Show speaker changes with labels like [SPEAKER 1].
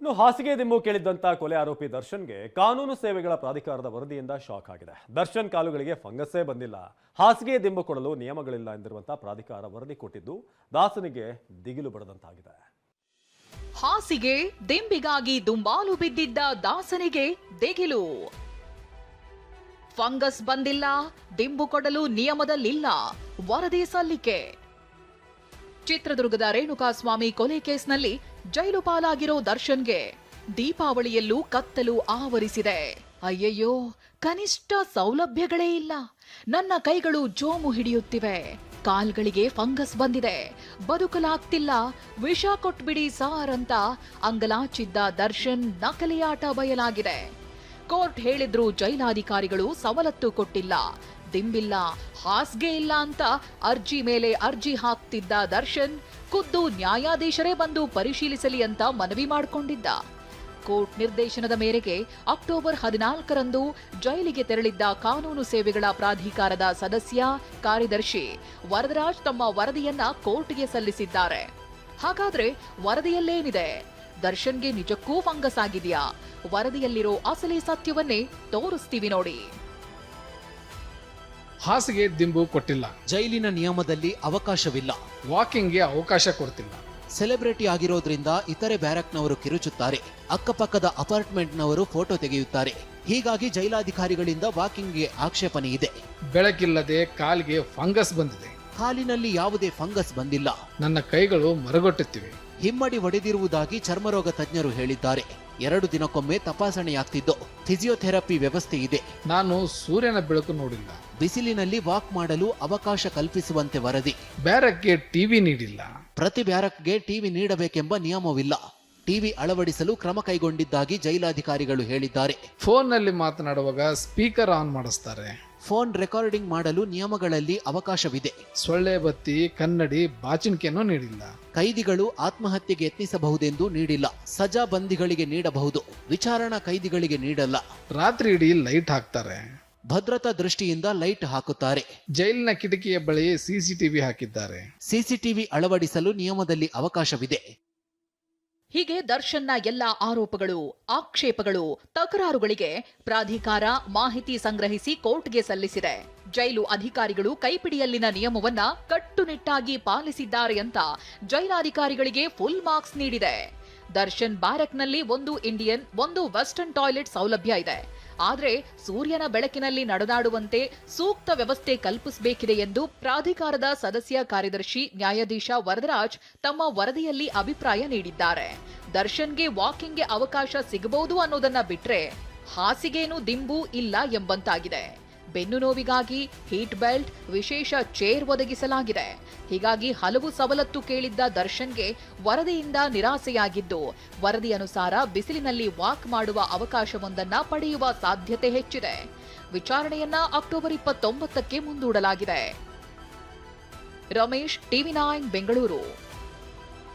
[SPEAKER 1] ಇನ್ನು ಹಾಸಿಗೆ ದಿಂಬು ಕೇಳಿದ್ದಂತ ಕೊಲೆ ಆರೋಪಿ ದರ್ಶನ್ಗೆ ಕಾನೂನು ಸೇವೆಗಳ ಪ್ರಾಧಿಕಾರದ ವರದಿಯಿಂದ ಶಾಕ್ ಆಗಿದೆ. ದರ್ಶನ್ ಕಾಲುಗಳಿಗೆ ಫಂಗಸ್ಸೇ ಬಂದಿಲ್ಲ, ಹಾಸಿಗೆ ದಿಂಬು ಕೊಡಲು ನಿಯಮಗಳಿಲ್ಲ ಎಂದಿರುವಂತಹ ಪ್ರಾಧಿಕಾರ ವರದಿ ಕೊಟ್ಟಿದ್ದು ದಾಸನಿಗೆ ದಿಗಿಲು ಬಡದಂತಾಗಿದೆ.
[SPEAKER 2] ಹಾಸಿಗೆ ದಿಂಬಿಗಾಗಿ ದುಂಬಾಲು ಬಿದ್ದಿದ್ದ ದಾಸನಿಗೆ ದಿಗಿಲು. ಫಂಗಸ್ ಬಂದಿಲ್ಲ, ದಿಂಬು ಕೊಡಲು ನಿಯಮದಲ್ಲಿಲ್ಲ, ವರದಿ ಸಲ್ಲಿಕೆ. ಚಿತ್ರದುರ್ಗದ ರೇಣುಕಾಸ್ವಾಮಿ ಕೊಲೆ ಕೇಸ್ನಲ್ಲಿ ಜೈಲು ಪಾಲಾಗಿರೋ ದರ್ಶನ್ಗೆ ದೀಪಾವಳಿಯಲ್ಲೂ ಕತ್ತಲು ಆವರಿಸಿದೆ. ಅಯ್ಯಯ್ಯೋ, ಕನಿಷ್ಠ ಸೌಲಭ್ಯಗಳೇ ಇಲ್ಲ, ನನ್ನ ಕೈಗಳು ಜೋಮು ಹಿಡಿಯುತ್ತಿವೆ, ಕಾಲ್ಗಳಿಗೆ ಫಂಗಸ್ ಬಂದಿದೆ, ಬದುಕಲಾಗ್ತಿಲ್ಲ, ವಿಷ ಕೊಟ್ಬಿಡಿ ಸಾರ್ ಅಂತ ಅಂಗಲಾಚಿದ್ದ ದರ್ಶನ್ ನಕಲಿ ಆಟ ಬಯಲಾಗಿದೆ. ಕೋರ್ಟ್ ಹೇಳಿದ್ರು ಜೈಲಾಧಿಕಾರಿಗಳು ಸವಲತ್ತು ಕೊಟ್ಟಿಲ್ಲ, ದಿಂಬಿಲ್ಲ, ಹಾಸ್ಗೆ ಇಲ್ಲ ಅಂತ ಅರ್ಜಿ ಮೇಲೆ ಅರ್ಜಿ ಹಾಕ್ತಿದ್ದ ದರ್ಶನ್ ಖುದ್ದು ನ್ಯಾಯಾಧೀಶರೇ ಬಂದು ಪರಿಶೀಲಿಸಲಿ ಅಂತ ಮನವಿ ಮಾಡಿಕೊಂಡಿದ್ದ. ಕೋರ್ಟ್ ನಿರ್ದೇಶನದ ಮೇರೆಗೆ ಅಕ್ಟೋಬರ್ 14ರಂದು ಜೈಲಿಗೆ ತೆರಳಿದ್ದ ಕಾನೂನು ಸೇವೆಗಳ ಪ್ರಾಧಿಕಾರದ ಸದಸ್ಯ ಕಾರ್ಯದರ್ಶಿ ವರದರಾಜ್ ತಮ್ಮ ವರದಿಯನ್ನ ಕೋರ್ಟ್ಗೆ ಸಲ್ಲಿಸಿದ್ದಾರೆ. ಹಾಗಾದ್ರೆ ವರದಿಯಲ್ಲೇನಿದೆ? ದರ್ಶನ್ಗೆ ನಿಜಕ್ಕೂ ಫಂಗಸ್ ಆಗಿದೆಯಾ? ವರದಿಯಲ್ಲಿರೋ ಅಸಲಿ ಸತ್ಯವನ್ನೇ ತೋರಿಸ್ತೀವಿ ನೋಡಿ.
[SPEAKER 3] ಹಾಸಿಗೆ ದಿಂಬು ಕೊಟ್ಟಿಲ್ಲ,
[SPEAKER 4] ಜೈಲಿನ ನಿಯಮದಲ್ಲಿ ಅವಕಾಶವಿಲ್ಲ,
[SPEAKER 3] ವಾಕಿಂಗ್ಗೆ ಅವಕಾಶ ಕೊಡ್ತಿಲ್ಲ,
[SPEAKER 4] ಸೆಲೆಬ್ರಿಟಿ ಆಗಿರೋದ್ರಿಂದ ಇತರೆ ಬ್ಯಾರಕ್ನವರು ಕಿರುಚುತ್ತಾರೆ, ಅಕ್ಕಪಕ್ಕದ ಅಪಾರ್ಟ್ಮೆಂಟ್ನವರು ಫೋಟೋ ತೆಗೆಯುತ್ತಾರೆ. ಹೀಗಾಗಿ ಜೈಲಾಧಿಕಾರಿಗಳಿಂದ ವಾಕಿಂಗ್ಗೆ ಆಕ್ಷೇಪಣೆ ಇದೆ.
[SPEAKER 3] ಬೆಳಕಿಲ್ಲದೆ ಕಾಲಿಗೆ ಫಂಗಸ್ ಬಂದಿದೆ,
[SPEAKER 4] ಕಾಲಿನಲ್ಲಿ ಯಾವುದೇ ಫಂಗಸ್ ಬಂದಿಲ್ಲ,
[SPEAKER 3] ನನ್ನ ಕೈಗಳು ಮರಗೊಟ್ಟುತ್ತಿವೆ,
[SPEAKER 4] ಹಿಮ್ಮಡಿ ಒಡೆದಿರುವುದಾಗಿ ಚರ್ಮರೋಗ ತಜ್ಞರು ಹೇಳಿದ್ದಾರೆ. 2 ದಿನಕ್ಕೊಮ್ಮೆ ತಪಾಸಣೆಯಾಗ್ತಿದ್ದು, ಫಿಸಿಯೋಥೆರಪಿ ವ್ಯವಸ್ಥೆ ಇದೆ.
[SPEAKER 3] ನಾನು ಸೂರ್ಯನ ಬೆಳಕು ನೋಡಿಲ್ಲ,
[SPEAKER 4] ಬಿಸಿಲಿನಲ್ಲಿ ವಾಕ್ ಮಾಡಲು ಅವಕಾಶ ಕಲ್ಪಿಸುವಂತೆ ವರದಿ.
[SPEAKER 3] ಬ್ಯಾರಕ್ಗೆ ಟಿವಿ ನೀಡಿಲ್ಲ,
[SPEAKER 4] ಪ್ರತಿ ಬ್ಯಾರಕ್ಗೆ ಟಿವಿ ನೀಡಬೇಕೆಂಬ ನಿಯಮವಿಲ್ಲ, ಟಿವಿ ಅಳವಡಿಸಲು ಕ್ರಮ ಕೈಗೊಂಡಿದ್ದಾಗಿ ಜೈಲಾಧಿಕಾರಿಗಳು ಹೇಳಿದ್ದಾರೆ.
[SPEAKER 3] ಫೋನ್ನಲ್ಲಿ ಮಾತನಾಡುವಾಗ ಸ್ಪೀಕರ್ ಆನ್ ಮಾಡಿಸ್ತಾರೆ,
[SPEAKER 4] ಫೋನ್ ರೆಕಾರ್ಡಿಂಗ್ ಮಾಡಲು ನಿಯಮಗಳಲ್ಲಿ ಅವಕಾಶವಿದೆ.
[SPEAKER 3] ಸೊಳ್ಳೆ ಬತ್ತಿ, ಕನ್ನಡಿ, ಬಾಚಿಣಿಕೆಯನ್ನು ನೀಡಿಲ್ಲ.
[SPEAKER 4] ಕೈದಿಗಳು ಆತ್ಮಹತ್ಯೆಗೆ ಯತ್ನಿಸಬಹುದೆಂದು ನೀಡಿಲ್ಲ, ಸಜಾ ಬಂದಿಗಳಿಗೆ ನೀಡಬಹುದು, ವಿಚಾರಣಾ ಕೈದಿಗಳಿಗೆ ನೀಡಲ್ಲ.
[SPEAKER 3] ರಾತ್ರಿ ಇಡೀ ಲೈಟ್ ಹಾಕ್ತಾರೆ,
[SPEAKER 4] ಭದ್ರತಾ ದೃಷ್ಟಿಯಿಂದ ಲೈಟ್ ಹಾಕುತ್ತಾರೆ.
[SPEAKER 3] ಜೈಲಿನ ಕಿಟಕಿಯ ಬಳಿ ಸಿಸಿಟಿವಿ ಹಾಕಿದ್ದಾರೆ.
[SPEAKER 4] ಸಿಸಿಟಿವಿ ಅಳವಡಿಸಲು ನಿಯಮದಲ್ಲಿ ಅವಕಾಶವಿದೆ.
[SPEAKER 2] ಹೀಗೆ ದರ್ಶನ್ನ ಎಲ್ಲ ಆರೋಪಗಳು, ಆಕ್ಷೇಪಗಳು, ತಕರಾರುಗಳಿಗೆ ಪ್ರಾಧಿಕಾರ ಮಾಹಿತಿ ಸಂಗ್ರಹಿಸಿ ಕೋರ್ಟ್ಗೆ ಸಲ್ಲಿಸಿದೆ. ಜೈಲು ಅಧಿಕಾರಿಗಳು ಕೈಪಿಡಿಯಲ್ಲಿನ ನಿಯಮವನ್ನ ಕಟ್ಟುನಿಟ್ಟಾಗಿ ಪಾಲಿಸಿದ್ದಾರೆ ಅಂತ ಜೈಲಾಧಿಕಾರಿಗಳಿಗೆ ಫುಲ್ ಮಾರ್ಕ್ಸ್ ನೀಡಿದೆ. ದರ್ಶನ್ ಬ್ಯಾರಕ್ನಲ್ಲಿ 1 ಇಂಡಿಯನ್ 1 ವೆಸ್ಟರ್ನ್ ಟಾಯ್ಲೆಟ್ ಸೌಲಭ್ಯ ಇದೆ. ಆದ್ರೆ ಸೂರ್ಯನ ಬೆಳಕಿನಲ್ಲಿ ನಡೆದಾಡುವಂತೆ ಸೂಕ್ತ ವ್ಯವಸ್ಥೆ ಕಲ್ಪಿಸಬೇಕಿದೆ ಎಂದು ಪ್ರಾಧಿಕಾರದ ಸದಸ್ಯ ಕಾರ್ಯದರ್ಶಿ ನ್ಯಾಯಾಧೀಶ ವರದರಾಜ್ ತಮ್ಮ ವರದಿಯಲ್ಲಿ ಅಭಿಪ್ರಾಯ ನೀಡಿದ್ದಾರೆ. ದರ್ಶನ್ಗೆ ವಾಕಿಂಗ್ಗೆ ಅವಕಾಶ ಸಿಗಬಹುದು ಅನ್ನೋದನ್ನ ಬಿಟ್ರೆ ಹಾಸಿಗೇನು ದಿಂಬು ಇಲ್ಲ ಎಂಬಂತಾಗಿದೆ. ಬೆನ್ನು ನೋವಿಗಾಗಿ ಹೀಟ್ ಬೆಲ್ಟ್, ವಿಶೇಷ ಚೇರ್ ಒದಗಿಸಲಾಗಿದೆ. ಹೀಗಾಗಿ ಹಲವು ಸವಲತ್ತು ಕೇಳಿದ್ದ ದರ್ಶನ್ಗೆ ವರದಿಯಿಂದ ನಿರಾಸೆಯಾಗಿದ್ದು, ವರದಿ ಅನುಸಾರ ಬಿಸಿಲಿನಲ್ಲಿ ವಾಕ್ ಮಾಡುವ ಅವಕಾಶವೊಂದನ್ನ ಪಡೆಯುವ ಸಾಧ್ಯತೆ ಹೆಚ್ಚಿದೆ. ವಿಚಾರಣೆಯನ್ನ ಅಕ್ಟೋಬರ್ 29ಕ್ಕೆ ಮುಂದೂಡಲಾಗಿದೆ. ರಮೇಶ್, ಟಿವಿ9 ಬೆಂಗಳೂರು.